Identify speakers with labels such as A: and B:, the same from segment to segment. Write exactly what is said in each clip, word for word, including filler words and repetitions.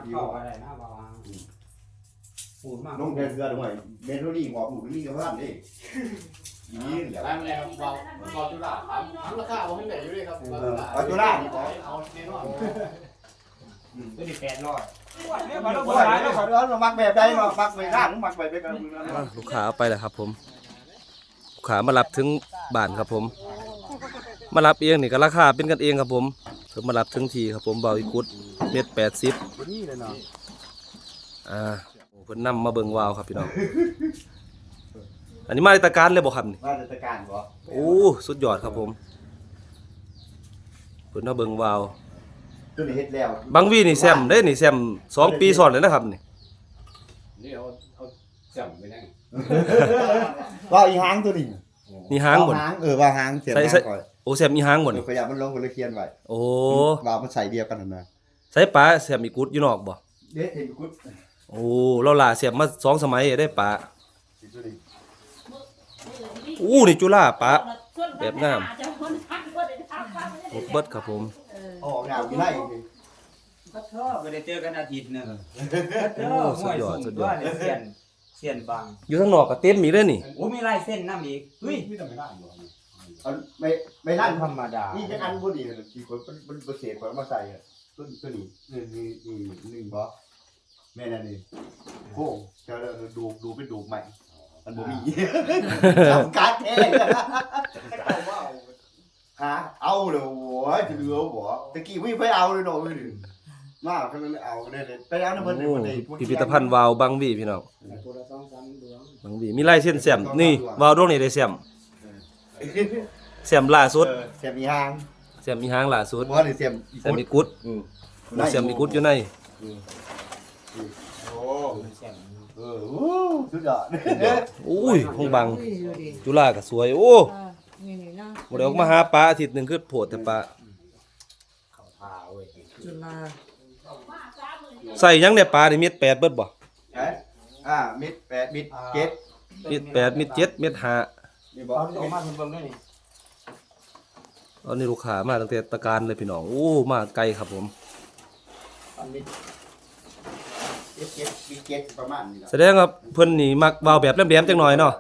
A: เข้าอะไรนะบางปูดมาก
B: น้องแทนเกลือด้วยเมโทนี่บอกหมูนี่กับท่านนี่ยี่เดี๋ยว
C: ได้มาแล้วครับเราเราจุฬาครับทั้งราคาผมไม่ได้อยู่ด้วยครับ
B: เอาจุฬา
C: เอาแน่นอน
A: ตัวนี้แปดร้อย
B: มาแล้วมาแล้วขอร้อนมามักแบบใดมามักไปข้างมักไปไปกัน
D: ลูกค้าเอาไปแล้วครับผมลูกค้ามารับถึงบ้านครับผมมารับเองนี่ก็ราคาเป็นกันเองครับผมเพิ่นมารับถึงทีครับผมเบาอีกุดเม็ดแปดสิบ
B: นี่เลยเนาะ
D: อ่าเพิ่นนำมาเบิ่งวาวครับพี่น้องอันนี้มาในตะการเลยบ่ครับนี่
B: มาราชการบ่
D: โอ้สุดยอดครับผมเพิ่นมาเบิ่งวาว
B: ตัวนี้เฮ็ดแล้ว
D: บางวีนี่แซมได้นี่แซมสองปีซ้อนเลยนะครับนี่
C: นี่เอาเอาจับไปนั่ง
B: ว่าอีหางตัวนี้
D: นี่หางบ่น
B: หางเออว่าหางเสียบหางก่อน
D: โอ้แซมอีหางบ่นี่
B: ขยับมันลงคนละเคียนไว้
D: โอ้
B: ว่ามันใส่เดียวกันนะ
D: ใส่ปลาแซมอีกุดอยู่นอกบ่
B: เด็ดเห็นกุด
D: โอ้เราล่าแซมมาสองสมัยได้ปลาอู้นี่จุฬาปลาแบบงามครบเบิดครับผม
B: ออกงานวิไล
A: ก็ชอบไม่ได้เจอกันอาทิตย์นึง
D: โอ้สุดยอดสุดยอด
A: เสียนเสียนบาง
D: อยู่ข้างนอกก็เต็มอีกเลยนี่
A: โอ้มีลายเส้นน้ำอีกเฮ้ย
C: ไม่ต้องไปนั่งหรอก
B: เอาไม่ไม่นั่น
A: ธรรมดา
B: นี่จะอันพอดีกี่คนเป็นเป็นเศษคนมาใส่ต้นตัวนี้นี่นี่นี่หนึ่งบ่แม่นั่นนี่โค้งจะดูดูเป็นดูใหม่มันบ่มีทำการแท้ฮะเอาเลยโว้ยจะเหลือบ่ตะกี้ไม่ไปเอาเลยเนาะมากก็เลยเอาได้เลยไปเอาน้ำเพิ่น
D: โอ้
B: ได้
D: พิพิธภัณฑ์วาวบางหวีพี่น้อง
A: ตัวละสองสามดวง
D: บางหวีมีลายเส้นแซมนี่วาวดวงนี่ได้แซมแซมล่าสุด
B: เสียบอีหาง
D: แซมมีหางล่าสุด
B: บ่ได้เสียบ
D: แซมมีกุด
B: อือ
D: แซมมีกุดอยู่ใน
B: โอ้
A: เส้น
B: เออโอ้สุดยอด
D: อุ้ยห้องบังจุฬาก็สวยโอ้
E: นี่นี่นะ
D: บ่ได้ออกมาหาปลาอาทิตย์หนึงคือโพดแต่ปลา
A: เขาพาเว้ย
E: จุฬา
D: ใส่หยังเนี่ยปลานี่เม็ดแปดเบิดบ่
B: เอ๊ะอ่ามิดแปดมิดเจ็ด
D: เม็ดแปดเม็ดเจ็ดเม็ดห้า
B: นี่บ่
A: เอาออกมาคุณเบิ่งด้วยนี่
D: ตอนนี้ลูกค้ามาตั้งแต่ตะการเลยพี่น้องโอ้มาไกลครับผม
B: อันมิดเจ็ดเจ็ดมิดเจ็ดประมาณนี้ล่ะ
D: แสดงว่าเพิ่นนี่มักวาวแบบแหลมๆจังหน่อยเนาะ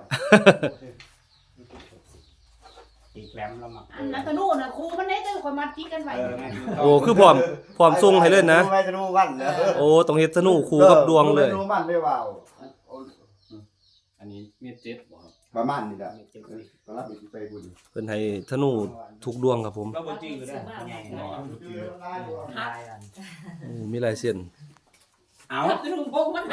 A: อีกแหลมละมัก
E: อันนั้นก็นู่นน่ะครูมันได้ตัวคนมาที่กันไว้
A: เออแม่
D: โอ้คือพร้อมพร้อมส่งให้เลยนะ
B: ไม่จะรู้วันเลย
D: โอ้ต้องเฮ็ดสนุกคู่กับดวงเลย
B: รู้วันไม่ว่าว
C: อันนี้เมียเจ็ดบ่ครับ
B: ประมาณนี้ล่ะตอนรับไปไปบุญ
D: เพิ่นให้ธนูทุกดวงครับผม
A: ก็บ่จื้อได้ใหญ่เนาะลายอัน
D: โอ้มีลายเส้น
A: เอา
E: กระดูกพงมัน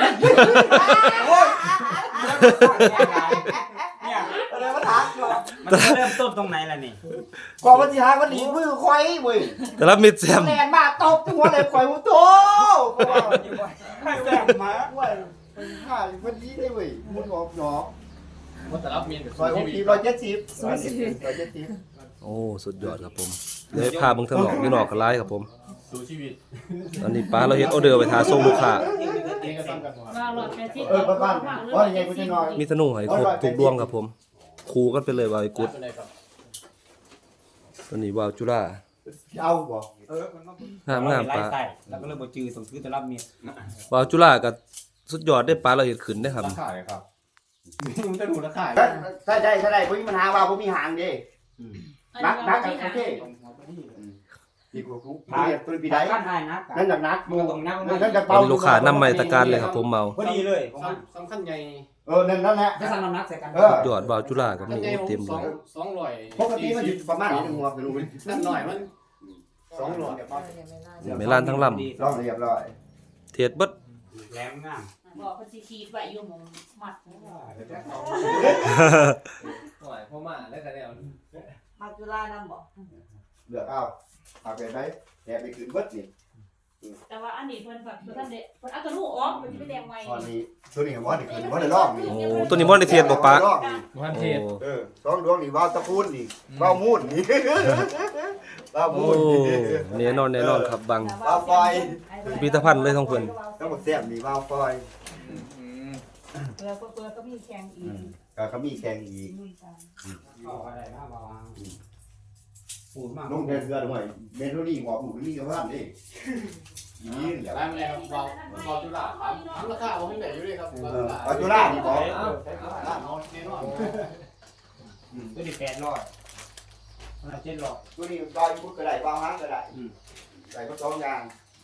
A: เนี่ย
B: อะไรมาถามก่อน
A: มันเริ่มต้นตรงไหนล่ะนี่
B: ก่อนวันที่ห้าวันนี้มือควายเว้ย
D: แต่ละเม็ดแซม
B: แรงมาตบหัวเลยควายหูโต
A: ให้แหลมมา
B: เว้ยห้าวันนี้ได้เว้ยมุดออกหนอ
C: ว่าแต่รับเมียน
B: ซอยหกสิบร้อยเจ็ดสิบร้อยเจ็ดสิบร้อยเจ็ดสิบ
D: โอ้สุดยอดครับผมเดี๋ยวให้พาเบิ่งทางนอกอยู่นอกก็หลายครับผม
C: สู่ชีวิต
D: ตอนนี้ป้าเราเฮ็ดออเดอร์ไปทาส่งลูกค้า
C: เองก็ซ้ำกันหมด
E: มาหลอดแค่ที่
B: เออประมาณว่าอย่างไงกูจะนอน
D: มีธนูให้ครบทุกดวงครับผมคู่กันไปเลยว่าไอ้กุด
C: เป็นไรครับ
D: ตอนนี้วาวจุฬา
B: เอาบ่
A: เออมันต้อง
D: งามงามปลา
A: ใส่แล้วก็เลยบ่จื้อต้องซื้อแต่รับเมีย
D: วาวจุฬาก็สุดยอดได้ปลาเราเฮ็ดขึ้นได้ครับ
C: ราคาเลยครับมันจะดูราคา
B: ถ้าได้ถ้าได้ผมมีปัญหาว่าผมมีหางดินักนักกันโอเคดีกว่ากูเรียกตัวปีใด
A: กันได้นะ
B: นั่นจากนัก
A: มันต้องนัก
B: นั่นจาก
D: ตอ
B: เป่าน
D: นี้ลูกค้านำมาในตะการเลยครับผมเมา
A: พอดีเลยผม
C: สำคัญใหญ่
B: เออนั่นนั่นแหละ
A: จะสั่งน้ำหนักใส่กัน
B: เออ
D: ยอดวาวจุฬาก็มีเต็ม
C: ส
D: เล
C: อง
D: ย
C: สองร้อย
B: ปกติมันอยู่ประมาณนี้หัวคือรู้
C: นั่นหน่อยมันสองร้อย
D: เมลานทั้งล
B: ลองเรียบร้อย
D: ำเทศเบิด
A: แหลมงาม
E: บอกคนสิขีดไว้อยู่หมองมัด
C: หน่อยพ่อมาแล้วกันเนี่ย
E: มาจุฬานำบอก
B: เลือกเอาเอาไปไหมแอบไปคืนเบิดนี่
E: แต่ว่าอันนี้เพิ่นแบบเพิ่นทำเด็ดเพิ่นเอาตัวลูกออกมันจะไปแดงไว้
B: ตอนนี้ตัวนี้ว่าได้คืนว่าได้รอบนี่
D: โอ้ตัวนี้บ่ได้เทศบ่ปะ
B: รอบนี่
C: วัน
D: โอ้
C: เทศ
B: เออสองดวงนี่ว่าวตะพูนนี่ว่าวมูนนี่ว่าว
D: โอ้
B: มูน
D: แน่นอนแน่นอนครับบัง พิพิธภัณฑ์เลยของเพิ่น
B: ทั้งหมดแซ่บนี่ว่าวฟอย
E: เปิดเปิดก็มีแข่งอีก
B: ก็เขามีแข่งอีก
A: เข้าอะไรนะบางปูดมาก
B: น้องแทนเกลือด้วยเมโทนี่บอกหมูนี่กับท่านนี่นี่เดี๋ยว
C: ได้มาเลยครับเราเราจุฬาถามถามราคาผมให้ไหนอยู่ด้วยครับ
B: ปัจจุบันนี่บอก
C: ร้านนอนแน่นอน
A: ตัวนี้แปดร้อยมันเจ็ดร้อย
B: ตัวนี้บอยพุทธก็ได้บางฮังก็ได้ใส่ก็สองอย่าง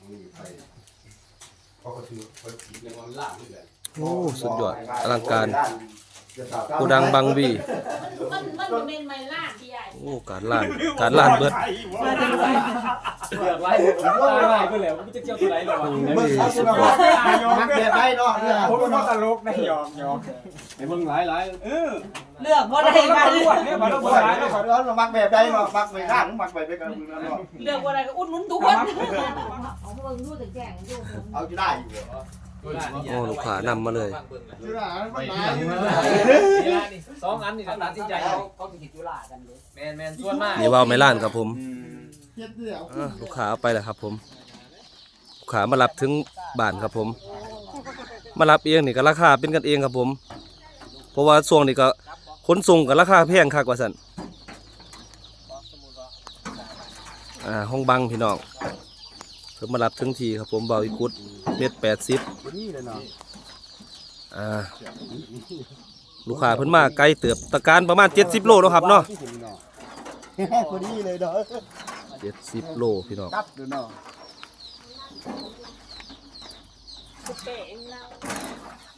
B: เขาก็ถือคน
C: ในวันล่างนี่แหละ
D: โอ้สุดยอดอลังการ
B: โก
D: โกดังบังวี
E: มันมันมันเป็นไม้ล่าที่ใหญ่
D: โอ้การล้านการล้านเบิด
A: เลือกไว้ตายไปก็แล้วมันจะเกี่ยวตัวไหนหรอวะ
D: โอ้ยสุดยอด
B: มักแบบได้เนาะเนี่ย
A: ผมก็ตลกนะยอมยอมไอ้มึงหลายหลายเออ
E: เลือกบ่ได้กัน
A: เนี่ยมันต้อง
B: บ่
A: บ่
B: ได้
A: ได้
B: เนาะ
A: เนาะ
B: ขอร้อนมักแบบได้เนาะมักไปข้างมักไปด้วยกันมึงเนาะ
E: เลือกบ่ได้ก็อุดหนุนทุกคน
F: เอาเบิ่งดูแต่แจ้งดู
B: เอาจะได้อยู่
D: โอ้ลูกค้านำมาเลย
B: จุฬามันหลาย
A: นี่ละนี่สองอันนี่ตัดสินใจเอา
F: เขาสิจุฬากันเลย
A: แมนแมนส่วนมาก
D: นี่ว่าวไม่ล้านครับผม
B: เฮ็ดเดี่ยว
D: อ่ะลูกค้าเอาไปแล้วครับผมลูกค้ามารับถึงบ้านครับผม มารับเองนี่ก็ราคาเป็นกันเองครับผม เพราะว่าช่วงนี้ก็ขนส่งกับราคาแพงคักว่าซั่นอ่าห้องบังพี่น้องเพิ่นมารับถึงทีครับผมเบาอีกุดเม็ดแปดสิบ
B: นี่เลยเนาะ
D: อ่าลูกค้าเพิ่นมาไกลเติบตะการประมาณเจ็ดสิบโลเนาะครับเนาะ
B: คนนี้เลยเนาะ
D: เจ็ดสิบโลพี่น้อง
B: ตับดูเนาะ
E: เป๋งเรา